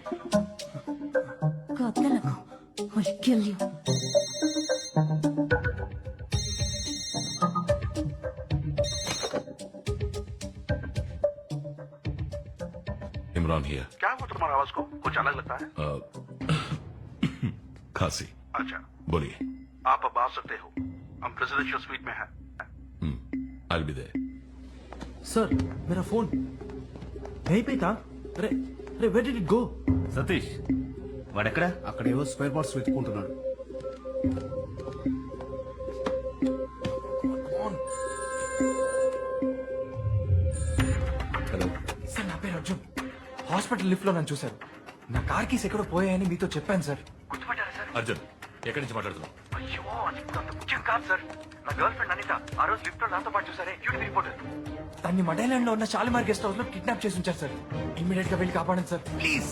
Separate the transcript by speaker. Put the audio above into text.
Speaker 1: కదలకు. I'll kill you.
Speaker 2: Imran here.
Speaker 3: क्या हुआ तुम्हारा आवाज को कुछ अलग लगता है?
Speaker 2: खांसी।
Speaker 3: अच्छा,
Speaker 2: बोलिए।
Speaker 3: आप अब आ सकते हो, हम प्रेसिडेंशियल स्वीट में हैं।
Speaker 2: I'll be there।
Speaker 4: सर मेरा फोन यहीं पे था. अरे अरे where did it go?
Speaker 5: Satish వాడెక్కడ?
Speaker 6: అక్కడేవో స్పేర్ పార్ట్స్ వెతుక్కుంటున్నాడు.
Speaker 2: हेलो।
Speaker 4: సార్ నా పేరు అర్జున్. హాస్పిటల్ లిఫ్ట్ లో నన్ను చూశారు. నా కార్ కీస్ ఎక్కడో పోయాయని మీతో చెప్పాను సార్.
Speaker 3: గుర్తుపట్టారా సార్?
Speaker 2: अर्जुन ఎక్కడి నుంచి మాట్లాడుతున్నావు?
Speaker 3: అయ్యో, అది ఇప్పుడు అంత ముఖ్యం కాదు సార్. నా గర్ల్ ఫ్రెండ్ అనిత ఆ రోజు లిఫ్ట్ లో నాతో పాటు చూసారే, డ్యూటీ రిపోర్టర్.
Speaker 4: తన్ని మడైలాండ్ లో ఉన్న షాలిమార్ గెస్ట్ హౌస్ లో కిడ్నాప్ చేసి ఉంచారు సార్. ఇమ్మీడియట్ గా వెళ్ళి కాపాడండి సార్ ప్లీజ్.